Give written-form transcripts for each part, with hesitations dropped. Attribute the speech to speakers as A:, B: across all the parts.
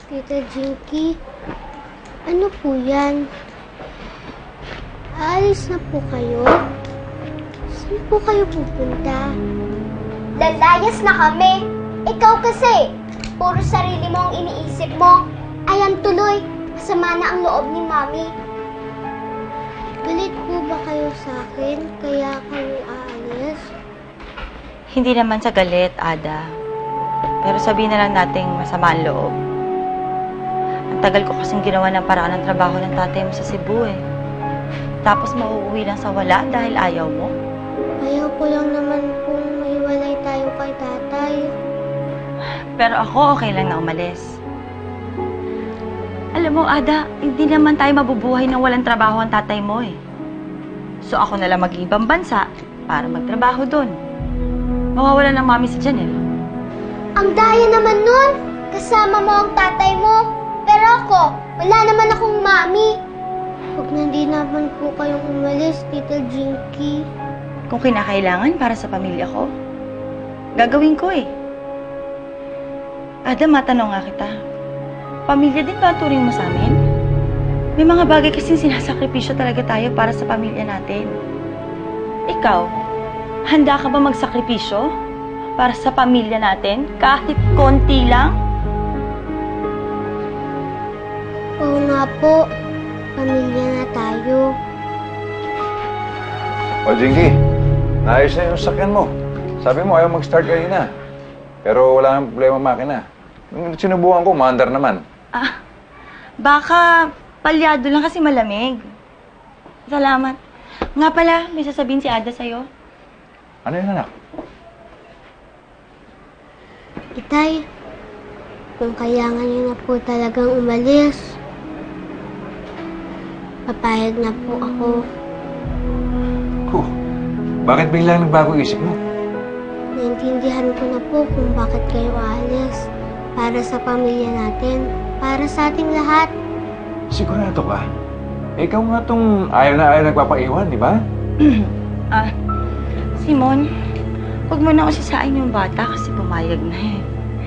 A: Tita Jinky, ano po yan? Aalis na po kayo? Saan po kayo pupunta?
B: Lalayas na kami. Ikaw kasi, puro sarili mo ang iniisip mo. Ayan tuloy, masama na ang loob ni Mami.
A: Galit po ba kayo sa akin kaya kayo aalis?
C: Hindi naman sa galit, Ada. Pero sabihin na lang nating masama ang loob. Ang tagal ko kasing ginawa ng paraan ng trabaho ng tatay mo sa Cebu eh. Tapos mauuwi lang sa wala dahil ayaw mo?
A: Ayaw ko lang naman kung maiwalay tayo kay tatay.
C: Pero ako okay lang na umalis. Alam mo, Ada, hindi naman tayo mabubuhay nang walang trabaho ang tatay mo eh. So ako na lang mag-ibang bansa para magtrabaho doon. Mawawala ng mami si Janelle.
B: Ang daya naman nun. Kasama mo ang tatay mo. Pero ako, wala naman akong Mami.
A: Huwag na di naman po kayong umalis, Tita Jinky.
C: Kung kinakailangan para sa pamilya ko, gagawin ko eh. Ada, matanong nga kita. Pamilya din ba ang turing mo sa amin? May mga bagay kasing sinasakripisyo talaga tayo para sa pamilya natin. Ikaw, handa ka ba magsakripisyo para sa pamilya natin kahit konti lang?
A: Oo nga po, pamilya na tayo.
D: O, Jinky, naayos na yung sakyan mo. Sabi mo, ayaw mag-start kanina. Pero wala nang problema makina. Nung sinubukan ko, maandar naman.
C: Ah, baka palyado lang kasi malamig. Salamat. Nga pala, may sasabihin si Ada sa'yo.
D: Ano yun, anak?
A: Itay, kung kailangan niyo na po talagang umalis, papayag na po ako.
D: Bakit biglang nagbago isip mo?
A: Naintindihan ko na po kung bakit kayo aalis. Para sa pamilya natin, para sa ating lahat.
D: Sigurado ka? Ikaw nga tong ayaw na ayaw nagpapaiwan, di ba?
C: Simon, huwag mo na usisain yung bata kasi pumayag na eh.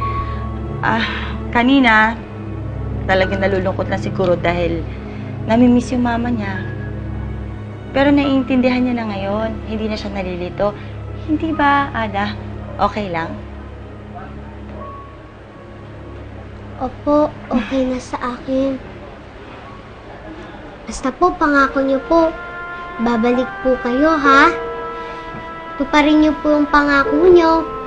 C: Kanina, talagang nalulungkot na siguro dahil namimiss yung mama niya. Pero naiintindihan niya na ngayon, hindi na siya nalilito. Hindi ba, Ada? Okay lang?
A: Opo, okay na sa akin. Basta po, pangako niyo po, babalik po kayo, ha? Tuparin niyo po yung pangako niyo.